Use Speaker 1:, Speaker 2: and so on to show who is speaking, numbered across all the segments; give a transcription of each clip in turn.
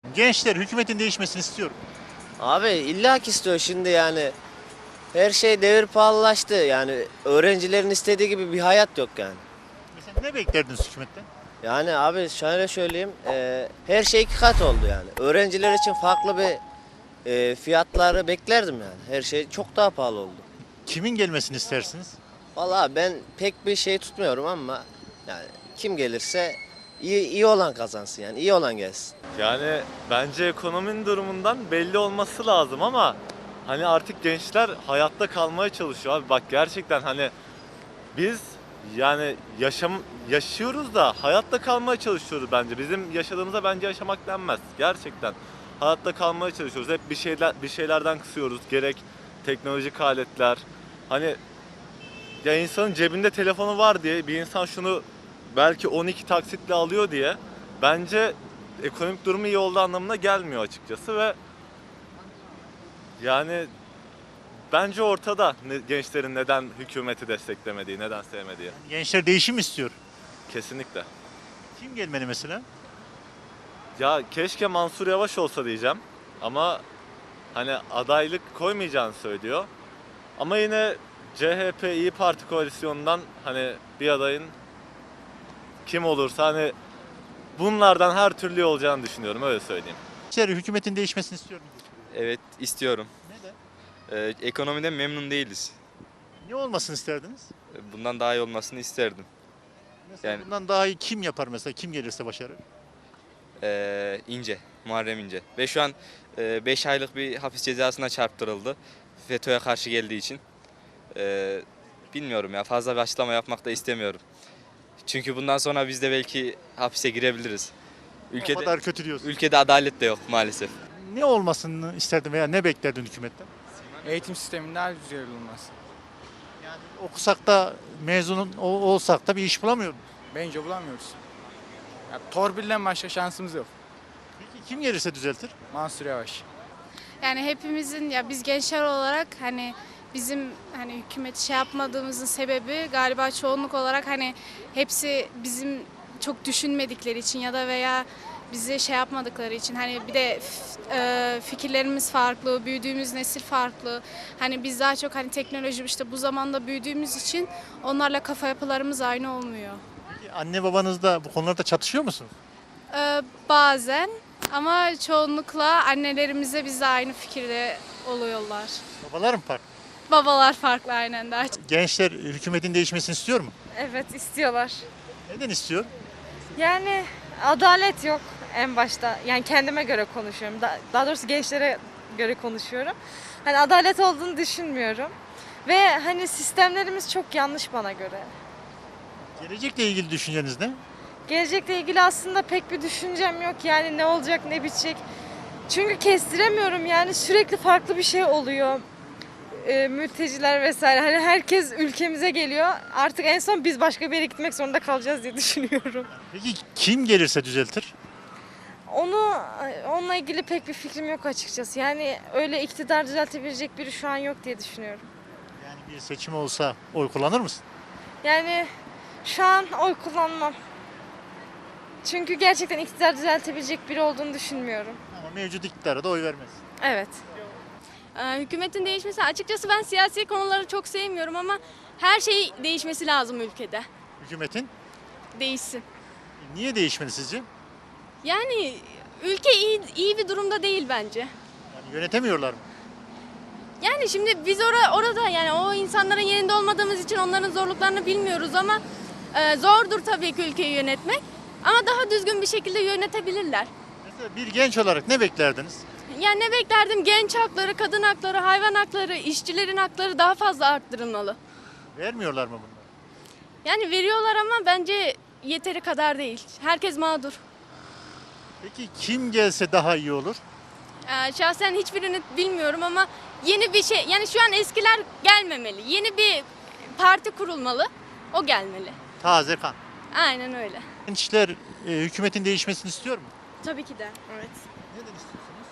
Speaker 1: Gençler hükümetin değişmesini istiyor.
Speaker 2: Abi illa ki istiyor şimdi yani. Her şey devir pahalılaştı. Yani öğrencilerin istediği gibi bir hayat yok yani.
Speaker 1: Mesela ne beklerdiniz hükümetten?
Speaker 2: Yani abi şöyle söyleyeyim. Her şey iki kat oldu yani. Öğrenciler için farklı bir fiyatları beklerdim yani. Her şey çok daha pahalı oldu.
Speaker 1: Kimin gelmesini istersiniz?
Speaker 2: Vallahi ben pek bir şey tutmuyorum ama yani kim gelirse iyi olan kazansın yani. İyi olan gelsin.
Speaker 3: Yani bence ekonominin durumundan belli olması lazım ama hani artık gençler hayatta kalmaya çalışıyor abi. Bak gerçekten hani biz yani yaşıyoruz da hayatta kalmaya çalışıyoruz bence. Bizim yaşadığımıza bence yaşamak denmez. Gerçekten hayatta kalmaya çalışıyoruz. Hep bir şeylerden kısıyoruz. Gerek teknolojik aletler. Hani ya insanın cebinde telefonu var diye bir insan şunu belki 12 taksitle alıyor diye bence ekonomik durumu iyi olduğu anlamına gelmiyor açıkçası ve yani bence ortada gençlerin neden hükümeti desteklemediği, neden sevmediği.
Speaker 1: Gençler değişim istiyor.
Speaker 3: Kesinlikle.
Speaker 1: Kim gelmeli mesela?
Speaker 3: Ya keşke Mansur Yavaş olsa diyeceğim ama hani adaylık koymayacağını söylüyor. Ama yine CHP İyi Parti koalisyonundan hani bir adayın kim olursa hani bunlardan her türlü olacağını düşünüyorum öyle söyleyeyim.
Speaker 1: Gençler hükümetin değişmesini istiyor mu?
Speaker 4: Evet istiyorum.
Speaker 1: Neden?
Speaker 4: Ekonomiden memnun değiliz.
Speaker 1: Ne olmasını isterdiniz?
Speaker 4: Bundan daha iyi olmasını isterdim.
Speaker 1: Mesela
Speaker 4: Yani-
Speaker 1: bundan daha iyi kim yapar mesela? Kim gelirse başarır?
Speaker 4: İnce, Muharrem İnce. Ve şu an 5 aylık bir hapis cezasına çarptırıldı. FETÖ'ye karşı geldiği için. Bilmiyorum ya, fazla bir açıklama yapmak da istemiyorum. Çünkü bundan sonra biz de belki hapise girebiliriz.
Speaker 1: O kadar kötü diyorsun.
Speaker 4: Ülkede adalet de yok maalesef.
Speaker 1: Ne olmasını isterdin veya ne beklerdin hükümetten?
Speaker 5: Eğitim sisteminin daha güzel olması.
Speaker 1: Yani okusak da mezun olsak da bir iş bulamıyor muyuz?
Speaker 5: Bence bulamıyoruz. Ya, torpilden başka şansımız yok.
Speaker 1: Peki kim gelirse düzeltir?
Speaker 5: Mansur Yavaş.
Speaker 6: Yani hepimizin ya biz gençler olarak hani bizim hani hükümet şey yapmadığımızın sebebi galiba çoğunluk olarak hani hepsi bizim çok düşünmedikleri için ya da veya bizi şey yapmadıkları için hani bir de fikirlerimiz farklı, büyüdüğümüz nesil farklı. Hani biz daha çok hani teknoloji işte bu zamanda büyüdüğümüz için onlarla kafa yapılarımız aynı olmuyor.
Speaker 1: Peki anne babanızla bu konularda çatışıyor musunuz?
Speaker 6: Bazen ama çoğunlukla annelerimize biz de aynı fikirde oluyorlar.
Speaker 1: Babalar mı farklı?
Speaker 6: Babalar farklı aynen daha çok.
Speaker 1: Gençler hükümetin değişmesini istiyor mu?
Speaker 7: Evet istiyorlar.
Speaker 1: Neden istiyor?
Speaker 7: Yani adalet yok en başta. Yani kendime göre konuşuyorum. Daha doğrusu gençlere göre konuşuyorum. Hani adalet olduğunu düşünmüyorum. Ve hani sistemlerimiz çok yanlış bana göre.
Speaker 1: Gelecekle ilgili düşünceniz ne?
Speaker 7: Gelecekle ilgili aslında pek bir düşüncem yok. Yani ne olacak ne bitecek. Çünkü kestiremiyorum yani sürekli farklı bir şey oluyor. Mülteciler vesaire. Hani herkes ülkemize geliyor. Artık en son biz başka bir yere gitmek zorunda kalacağız diye düşünüyorum.
Speaker 1: Peki kim gelirse düzeltir?
Speaker 7: Onunla ilgili pek bir fikrim yok açıkçası. Yani öyle iktidar düzeltebilecek biri şu an yok diye düşünüyorum.
Speaker 1: Yani bir seçim olsa oy kullanır mısın?
Speaker 7: Yani şu an oy kullanmam. Çünkü gerçekten iktidar düzeltebilecek biri olduğunu düşünmüyorum.
Speaker 1: Ama mevcut iktidara da oy vermez.
Speaker 7: Evet.
Speaker 8: Hükümetin değişmesi açıkçası ben siyasi konuları çok sevmiyorum ama her şey değişmesi lazım ülkede.
Speaker 1: Hükümetin
Speaker 8: Değişsin.
Speaker 1: niye değişmeli sizce?
Speaker 8: Yani ülke iyi bir durumda değil bence.
Speaker 1: Yani yönetemiyorlar mı?
Speaker 8: Yani şimdi biz orada yani o insanların yerinde olmadığımız için onların zorluklarını bilmiyoruz ama zordur tabii ki ülkeyi yönetmek. Ama daha düzgün bir şekilde yönetebilirler.
Speaker 1: Mesela bir genç olarak ne beklerdiniz?
Speaker 8: Yani ne beklerdim? Genç hakları, kadın hakları, hayvan hakları, işçilerin hakları daha fazla arttırılmalı.
Speaker 1: Vermiyorlar mı bunları?
Speaker 8: Yani veriyorlar ama bence yeteri kadar değil. Herkes mağdur.
Speaker 1: Peki kim gelse daha iyi olur?
Speaker 8: Şahsen hiçbirini bilmiyorum ama yeni bir şey, yani şu an eskiler gelmemeli. Yeni bir parti kurulmalı, o gelmeli.
Speaker 1: Taze kan.
Speaker 8: Aynen öyle.
Speaker 1: Gençler hükümetin değişmesini istiyor mu?
Speaker 9: Tabii ki de. Evet.
Speaker 1: Neden istiyorsunuz?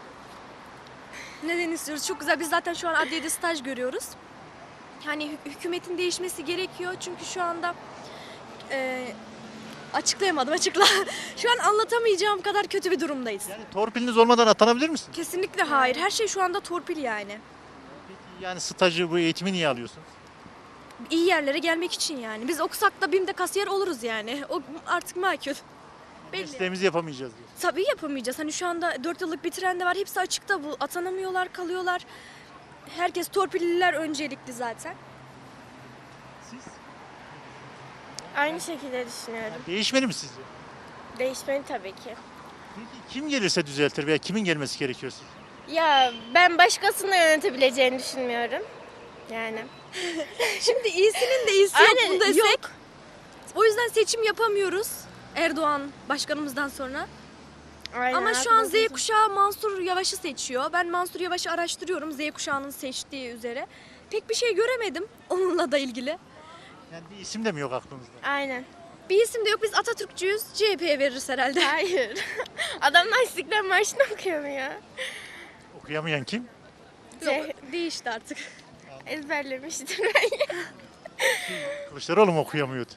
Speaker 9: Neden istiyoruz? Çok güzel. Biz zaten şu an adliyede staj görüyoruz. Yani hükümetin değişmesi gerekiyor. Çünkü şu anda Açıklayamadım açıkla. Şu an anlatamayacağım kadar kötü bir durumdayız.
Speaker 1: Yani torpiliniz olmadan atanabilir misiniz?
Speaker 9: Kesinlikle hayır. Her şey şu anda torpil yani.
Speaker 1: Yani stajı, bu eğitimi niye alıyorsunuz?
Speaker 9: İyi yerlere gelmek için yani. Biz okusak da BİM'de kasiyer oluruz yani. O artık makul. Belli.
Speaker 1: Mesleğimizi yapamayacağız diyor.
Speaker 9: Tabii yapamayacağız. Hani şu anda 4 yıllık bitiren de var. Hepsi açıkta bu. Atanamıyorlar, kalıyorlar. Herkes torpilliler öncelikli zaten.
Speaker 1: Siz?
Speaker 10: Aynı şekilde düşünüyorum.
Speaker 1: Değişmeli mi sizce?
Speaker 10: Değişmeli tabii ki.
Speaker 1: Peki kim gelirse düzeltir veya kimin gelmesi gerekiyor sizce?
Speaker 10: Ya ben başkasını yönetebileceğini düşünmüyorum. Yani.
Speaker 9: Şimdi iyisinin de iyisi
Speaker 10: Aynen,
Speaker 9: yok mu desek.
Speaker 10: yok.
Speaker 9: O yüzden seçim yapamıyoruz Erdoğan başkanımızdan sonra.
Speaker 10: Aynen,
Speaker 9: Ama şu an Z
Speaker 10: haklısın.
Speaker 9: kuşağı Mansur Yavaş'ı seçiyor. Ben Mansur Yavaş'ı araştırıyorum Z kuşağının seçtiği üzere. Pek bir şey göremedim onunla da ilgili.
Speaker 1: Yani bir isim de mi yok aklınızda?
Speaker 10: Aynen.
Speaker 9: Bir isim de yok. Biz Atatürkçüyüz. CHP'ye veririz herhalde.
Speaker 10: Hayır. Adamlar İstiklal Marşı'nı okuyamıyor.
Speaker 1: Okuyamayan kim?
Speaker 9: Değişti artık.
Speaker 10: Ezberlemiştir ben.
Speaker 1: Kılıçdaroğlu mu okuyamıyordu?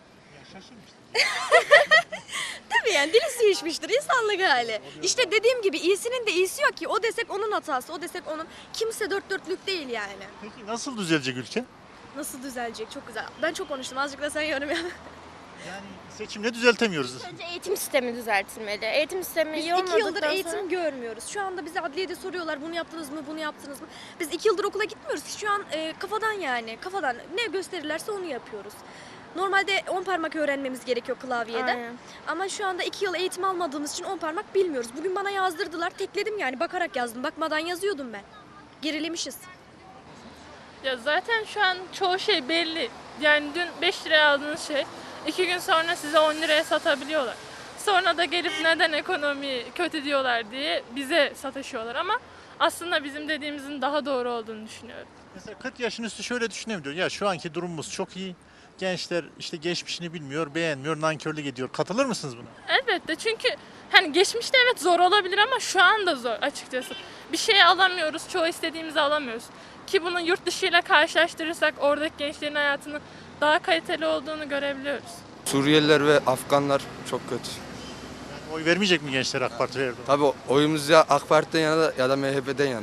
Speaker 9: Tabii yani dili sıyışmıştır insanlık hali. İşte dediğim gibi iyisinin de iyisi yok ki. O desek onun hatası, o desek onun. Kimse dört dörtlük değil yani.
Speaker 1: Peki nasıl düzelecek ülke?
Speaker 9: Nasıl düzelecek? Çok güzel. Ben çok konuştum. Azıcık da sen yorum yap.
Speaker 1: Yani seçimle düzeltemiyoruz.
Speaker 10: Önce eğitim sistemi düzeltilmeli. Eğitim sistemi
Speaker 9: Biz
Speaker 10: iyi
Speaker 9: 2 yıldır
Speaker 10: olmadıktan
Speaker 9: eğitim
Speaker 10: sonra...
Speaker 9: görmüyoruz. Şu anda bize adliyede soruyorlar bunu yaptınız mı, bunu yaptınız mı? Biz 2 yıldır okula gitmiyoruz ki şu an kafadan yani. Kafadan ne gösterirlerse onu yapıyoruz. Normalde 10 parmak öğrenmemiz gerekiyor klavyede.
Speaker 10: Aynen.
Speaker 9: Ama şu anda 2 yıl eğitim almadığımız için 10 parmak bilmiyoruz. Bugün bana yazdırdılar. Tekledim yani bakarak yazdım. Bakmadan yazıyordum ben. Gerilemişiz.
Speaker 11: Ya zaten şu an çoğu şey belli. Yani dün 5 liraya aldığınız şey 2 gün sonra size 10 liraya satabiliyorlar. Sonra da gelip neden ekonomi kötü diyorlar diye bize sataşıyorlar ama aslında bizim dediğimizin daha doğru olduğunu düşünüyorum.
Speaker 1: Mesela 40 yaşın üstü şöyle düşünebiliyor. Ya şu anki durumumuz çok iyi. Gençler işte geçmişini bilmiyor, beğenmiyor, nankörlük ediyor. Katılır mısınız buna?
Speaker 11: Elbette çünkü hani geçmişte evet zor olabilir ama şu anda zor açıkçası. Bir şey alamıyoruz, çoğu istediğimizi alamıyoruz. Ki bunu yurt dışıyla karşılaştırırsak oradaki gençlerin hayatının daha kaliteli olduğunu görebiliyoruz.
Speaker 12: Suriyeliler ve Afganlar çok kötü.
Speaker 1: Yani oy vermeyecek mi gençler AK Parti ve Erdoğan?
Speaker 12: Tabii oyumuz ya AK Parti'den yana ya da MHP'den yana.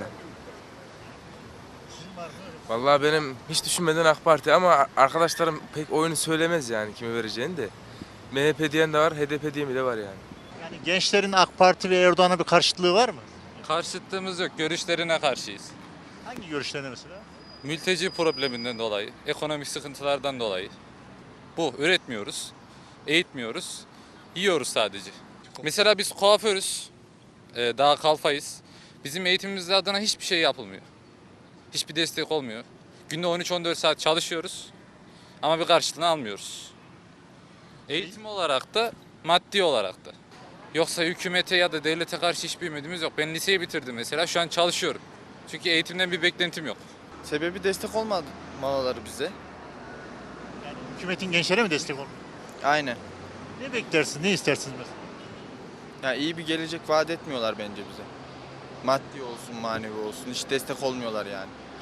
Speaker 13: Vallahi benim hiç düşünmeden AK Parti ama arkadaşlarım pek oyunu söylemez yani kime vereceğini de. MHP diyen de var, HDP diyen de var yani.
Speaker 1: Yani gençlerin AK Parti ve Erdoğan'a bir karşıtlığı var mı?
Speaker 14: Karşıtlığımız yok. Görüşlerine karşıyız.
Speaker 1: Hangi görüşlerine mesela?
Speaker 14: Mülteci probleminden dolayı, ekonomik sıkıntılardan dolayı. Bu, üretmiyoruz, eğitmiyoruz, yiyoruz sadece. Mesela biz kuaförüz, daha kalfayız. Bizim eğitimimiz adına hiçbir şey yapılmıyor. Hiçbir destek olmuyor. Günde 13-14 saat çalışıyoruz ama bir karşılığını almıyoruz. Eğitim olarak da, maddi olarak da. Yoksa hükümete ya da devlete karşı hiçbir ümidimiz yok. Ben liseyi bitirdim mesela, şu an çalışıyorum. Çünkü eğitimden bir beklentim yok.
Speaker 15: Sebebi destek olmamaları bize.
Speaker 1: Yani hükümetin gençlere mi destek olmuyor?
Speaker 15: Aynen.
Speaker 1: Ne beklersiniz, ne istersiniz mesela?
Speaker 15: Yani iyi bir gelecek vaat etmiyorlar bence bize. Maddi olsun, manevi olsun hiç destek olmuyorlar yani.